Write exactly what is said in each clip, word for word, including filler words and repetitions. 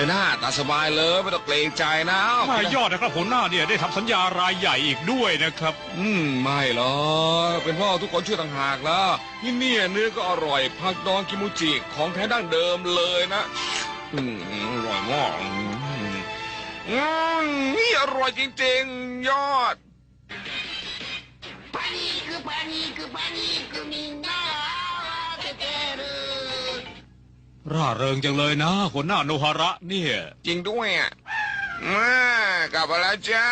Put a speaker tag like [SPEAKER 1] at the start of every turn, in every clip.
[SPEAKER 1] หน้าตาสบายเลยไม่ต้องเกรงใจนะ
[SPEAKER 2] ไม่ยอดนะครับหัวหน้าเนี่ยได้ทำสัญญารายใหญ่อีกด้วยนะครับ
[SPEAKER 1] อืมไม่หรอกเป็นเพราะทุกคนช่วยต่างหากแล้วนี่เนี่ยเนื้อก็อร่อยผักดองกิมูจิของแท้ดั้งเดิมเลยนะอืมอร่อยมากอืมนี่อร่อยจริงๆยอด
[SPEAKER 3] パニックパニックパニックみんな慌ててる
[SPEAKER 2] ร่าเริงจังเลยนะหัวหน้าโนฮาระเนี่ย
[SPEAKER 1] จริงด้วยอ่ะมากลับมาแล้วจ้า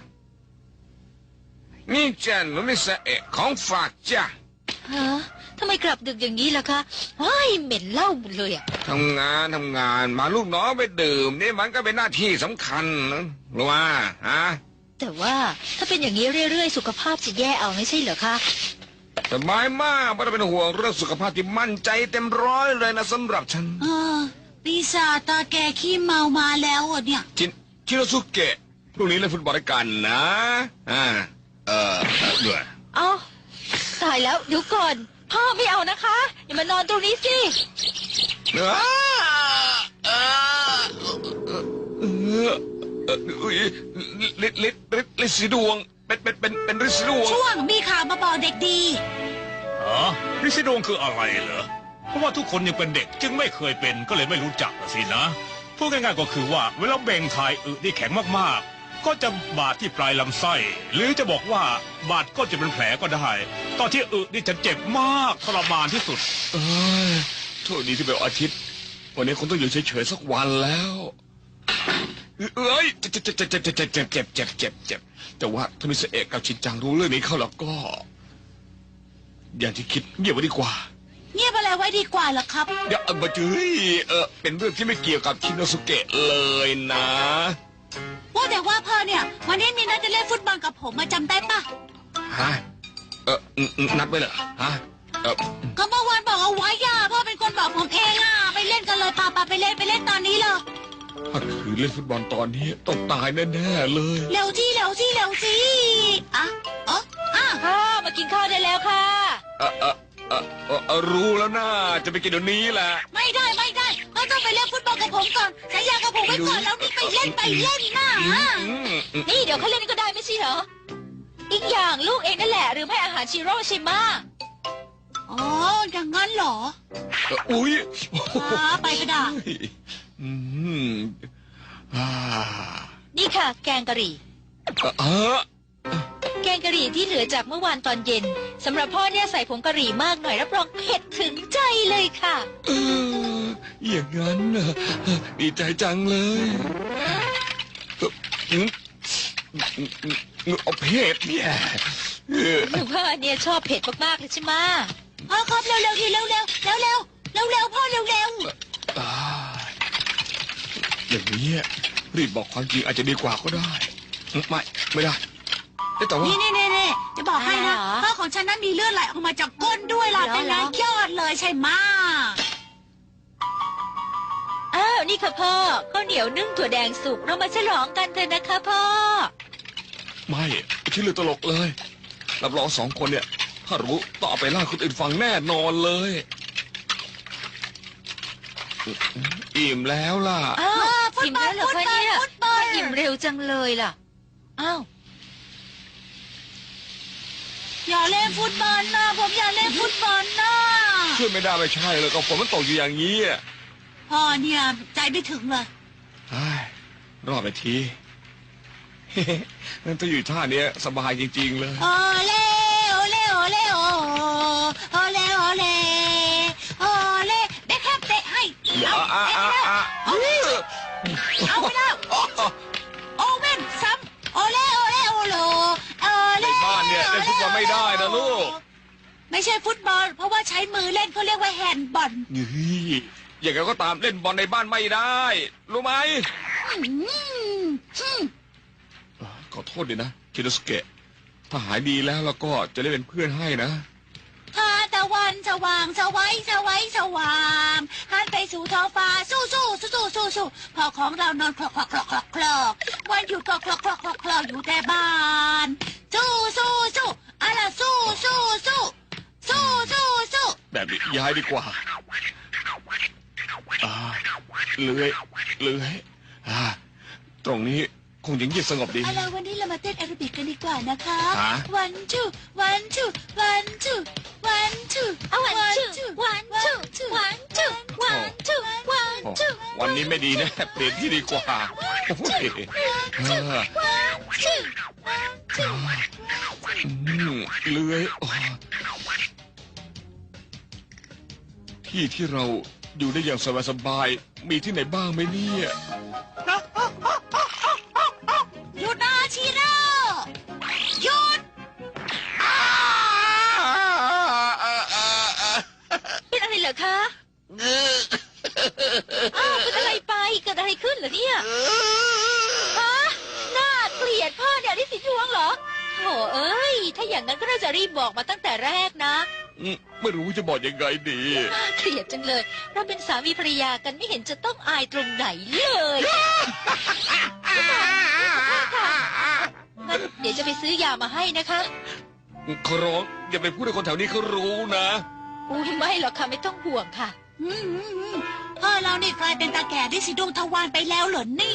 [SPEAKER 1] นี่จ้าหนูมิสเอะของฝากจ้า
[SPEAKER 4] ฮะทำไมกลับดึกอย่างนี้ล่ะคะเฮ้ยเหม็นเหล้าหมดเลยอ่ะ
[SPEAKER 1] ทำงานทำงานมาลูกน้องไปดื่มนี่มันก็เป็นหน้าที่สำคัญนะรู้ว่าฮะ
[SPEAKER 4] แต่ว่าถ้าเป็นอย่างนี้เรื่อยๆสุขภาพจะแย่เอาไม่ใช่เหรอคะ
[SPEAKER 1] สบายมากไม่ต้องเป็นห่วงเรื่องสุขภาพที่มั่นใจเต็มร้อยเลยนะสำหรับฉัน
[SPEAKER 3] เออปีศาจตาแกขี้เมามาแล้วอ่ะเนี่ย
[SPEAKER 1] ชินชิโนสุเกะพรุ่งนี้เล่นฟุตบอลด้วยกันนะอ่าเออด้วย
[SPEAKER 4] เอาตายแล้วเดี๋ยวก่อนพ่อไม่เอานะคะอย่ามานอนตรงนี้สิ
[SPEAKER 1] เออเออเออเออลิดลิดลิดลิดสีดวงเป็นเป็นเป็นเป็นฤทธิ์สีดวง
[SPEAKER 3] ช่วงมีข่าวมาบอกเด็กดี
[SPEAKER 2] อ๋อฤทธิ์สีดวงคืออะไรเหรอเพราะว่าทุกคนยังเป็นเด็กจึงไม่เคยเป็นก็เลยไม่รู้จักสินะพูดง่ายๆก็คือว่าเวลาเบ่งถ่ายอึที่แข็งมากๆก็จะบาดที่ปลายลำไส้หรือจะบอกว่าบาดก็จะเป็นแผลก็ได้ตอนที่อึนี่จะเจ็บมากทรมานที่สุด
[SPEAKER 1] เอ้ยโทษดีที่เป็นอาทิตย์วันนี้คงต้องอยู่เฉยๆสักวันแล้วเอ้ยเจ็บเจ็บเจ็บเจ็บเจ็บเจ็บเจ็บเจ็บเจ็บเจ็บแต่ว่าถ้ามิสเอกกับชินจังรู้เรื่องนี้เข้าแล้วก็อย่างที่คิดเงียบไว้ดีกว่า
[SPEAKER 3] เงียบอะไรไว้ดีกว่าล่ะครับ
[SPEAKER 1] เดี๋ยวมาจื้อเออเป็นเรื่องที่ไม่เกี่ยวกับชินโนสุเกะเลยนะ
[SPEAKER 3] ว่าแต่ว่าพ่อเนี่ยวันนี้มีนัดจะเล่นฟุตบอลกับผมมาจำได้ปะ
[SPEAKER 1] ฮะเออนัดไว้เหรอฮะเออ
[SPEAKER 3] ก็เมื่อวานบอกเอาไว้ย่าพ่อเป็นคนบอกผมเองอ่ะไปเล่นกันเลยพาปาไปเล่นไปเล่นตอนนี้เลย
[SPEAKER 1] ถ้าคือเล่นฟุตบอลตอนนี้ต้องตายแน่ๆเลย
[SPEAKER 3] เร็วที่เร็วที่เร็วสิอ่ะเอออ่ะ
[SPEAKER 4] พ่อมากินข้าวได้แล้วค่ะ
[SPEAKER 1] เออเออเออเออรู้แล้วนะจะไปกินเดี๋ยวนี้แหละ
[SPEAKER 3] ไม่ได้ไม่ได้เราต้องไปเล่นฟุตบอลกับผมก่อนสัญญากับผมไว้ก่อนแล้วนี่ไปเล่นไปเล่นนะ
[SPEAKER 4] นี่เดี๋ยวเขาเล่นก็ได้ไม่ใช่เหรออีกอย่างลูกเองนั่นแหละหรือไม่อาหารชิโร่ใช่ไหม
[SPEAKER 3] อ๋ออย่างนั้นเหรอ
[SPEAKER 1] อุ้ย
[SPEAKER 3] ไปก็ได้
[SPEAKER 4] นี่ค่ะแกงกะหรี่แกงกะหรี่ที่เหลือจากเมื่อวานตอนเย็นสำหรับพ่อเนี่ยใส่ผงกะหรี่มากหน่อยรับรองเผ็ดถึงใจเลยค่ะ
[SPEAKER 1] เอออย่างนั้นนะดีใจจังเลยเอาเผ็ดเนี่ย
[SPEAKER 4] หนูพ่อเนี่ยชอบเผ็ดมากๆเลยใช่ไหม
[SPEAKER 3] พ่อครับเร็วๆทีเร็วๆเร็วๆเร็วๆเร็วๆพ่อเร็วๆ
[SPEAKER 1] อย่างนี้รีบบอกความจริงอาจจะดีกว่าก็ได้ไม่ไม่ได้แต่ว่า
[SPEAKER 3] นี่นี่นี่จะบอกให้นะพ่อของฉันนั้นมีเลือดไหลออกมาจากก้นด้วยล่ะเป็นไงยอดเลยใช่ไหม
[SPEAKER 4] อ้าวนี่ค่ะพ่อข้าวเหนียวนึ่งถั่วแดงสุกเรามาฉลองกันเถอะนะคะพ่อ
[SPEAKER 1] ไม่ชื่อเลือตลกเลยรับรองสองคนเนี่ยถ้ารู้ต้องเอาไปล่าคนอื่นฟังแน่นอนเลยอิ่มแล้วล่ะ
[SPEAKER 4] อ้าวอิ่มแล้วเหรอคะเนี่ยอิ่มเร็วจังเลยล่ะอ้าว
[SPEAKER 3] อย่าเล่นฟุตบอลนะผมอย่าเล่นฟุตบอลนะ
[SPEAKER 1] ช่วยไม่ได้ไม่ใช่เลยก็ฝนมันตกอยู่อย่างนี้
[SPEAKER 3] พ่อเนี่ยใจไม่ถึงเลย
[SPEAKER 1] รอดไปทีนั่นถ้าอยู่ท่านี้สบายจริงๆเลย
[SPEAKER 3] โอเล่โอเล่โอเล่โอโอเล่โอเล่โอเล่เด็กแคบเตะให้เอาเอาเอาเอาไปแล้วโอเว่นซ้ำโอเล่โอเล่โอโลโอเล่
[SPEAKER 1] ในบ้านเนี่ยเล่นฟุตบอลไม่ได้นะลูก
[SPEAKER 3] ไม่ใช่ฟุตบอลเพราะว่าใช้มือเล่นเขาเรียกว่าแฮนด์บอล
[SPEAKER 1] นี่อย่างไรก็ตามเล่นบอลในบ้านไม่ได้รู้ไหมขอโทษดินะคิโนสุเกะถ้าหายดีแล้วแล้วก็จะได้เป็นเพื่อนให้นะ
[SPEAKER 3] ทาตะวันสว่างสวัยสวัยสว่างหันไปสู่ท้องฟ้าสู้สู้สู้สู้สู้พอของเรานอนคลอกคลอกคลอกคลอกคลอกวันหยุดก็คลอกคลอกคลอกคลอกอยู่แต่บ้านสู้สู้สู้อะไรสู้สู้สู้สู้สู้สู้
[SPEAKER 1] แบบนี้ย้ายดีกว่าเลื้อยเลื้อยอ่าตรงนี้คงยังเงียบสงบดี
[SPEAKER 3] เอาล่ะวันนี้เรามาเต้นแอโรบิกกันดีกว่านะคะ
[SPEAKER 1] ฮะ
[SPEAKER 3] one two one two one two one two
[SPEAKER 4] เอาวันชื่อวันชื่อวันชื่อวันชื่อวัน
[SPEAKER 1] โอ้
[SPEAKER 4] ชื่อ
[SPEAKER 1] วันนี้ไม่ดีนะ เปลี่ยนที่ดีกว่าโอ้ยเออ
[SPEAKER 4] ชื่อ
[SPEAKER 1] อืมเลื้อยโอ้ที่ที่เราอยู่ได้อย่างสบายๆมีที่ไหนบ้างไหมเนี่ย
[SPEAKER 3] หยุดนะชิโร่หยุด
[SPEAKER 4] เป็นอะไรเหรอคะอ้าวเป็นอะไรไปเกิดอะไรขึ้นเหรอเนี่ยฮะน่าเกลียดพ่อเนี่ยได้สีดวงเหรอโถเอ้ยถ้าอย่างนั้นก็น่าจะรีบบอกมาตั้งแต่แรกนะ
[SPEAKER 1] อืมไม่รู้จะบอกยังไงดี
[SPEAKER 4] น่าเกลียดจังเลย เราเป็นสามีภรรยากันไม่เห็นจะต้องอายตรงไหนเลยงั้นเดี๋ยวจะไปซื้อยามาให้นะคะ
[SPEAKER 1] ขอร้องอย่าไปพูดให้คนแถวนี้เขารู้นะ
[SPEAKER 4] อุ้ยไม่หรอกค่ะไม่ต้องห่วงค่ะ
[SPEAKER 3] อืมอืมอืมพ่อเรานี่กลายเป็นตาแก่ที่สีดวงทวารไปแล้วเหรอเนี่ย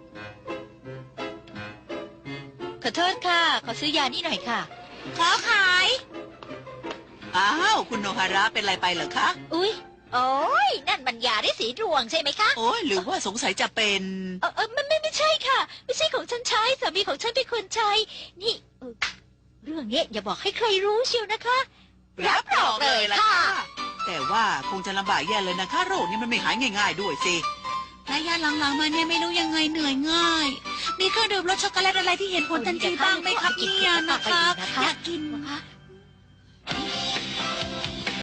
[SPEAKER 4] ขอโทษค่ะ ขอซื้อยานี่หน่อยค่ะ
[SPEAKER 3] ขอขาย
[SPEAKER 5] อ้าวคุณโนฮาระเป็นอะไรไปเหรอคะ
[SPEAKER 4] อุ้ยโอ้ยนั่นมันยาได้สีดวงใช่ไหมคะ
[SPEAKER 5] โอ้ยหรือว่าสงสัยจะเป็น
[SPEAKER 4] เออเออไม่ไม่ไม่ใช่ค่ะ ไม่ใช่ของฉันใช้สามีของฉันเป็นคนใช้นี่เออเรื่องนี้อย่าบอกให้ใครรู้เชียวนะคะ
[SPEAKER 5] รับรองเลยล่ะ
[SPEAKER 4] ค่ะ
[SPEAKER 5] ค่ะ แต่ว่าคงจะลำบากแย่เลยนะคะ โรคนี้มันไม่หายง่ายๆด้วยสิ
[SPEAKER 3] ระยะหลังๆมาเนี่ยไม่รู้ยังไงเหนื่อยง่าย มีเครื่องดื่มรสช็อกโกแลตอะไรที่เห็นผลทันทีบ้างไหมครับเนี่ยนะคะ อยากกิน
[SPEAKER 4] นะคะ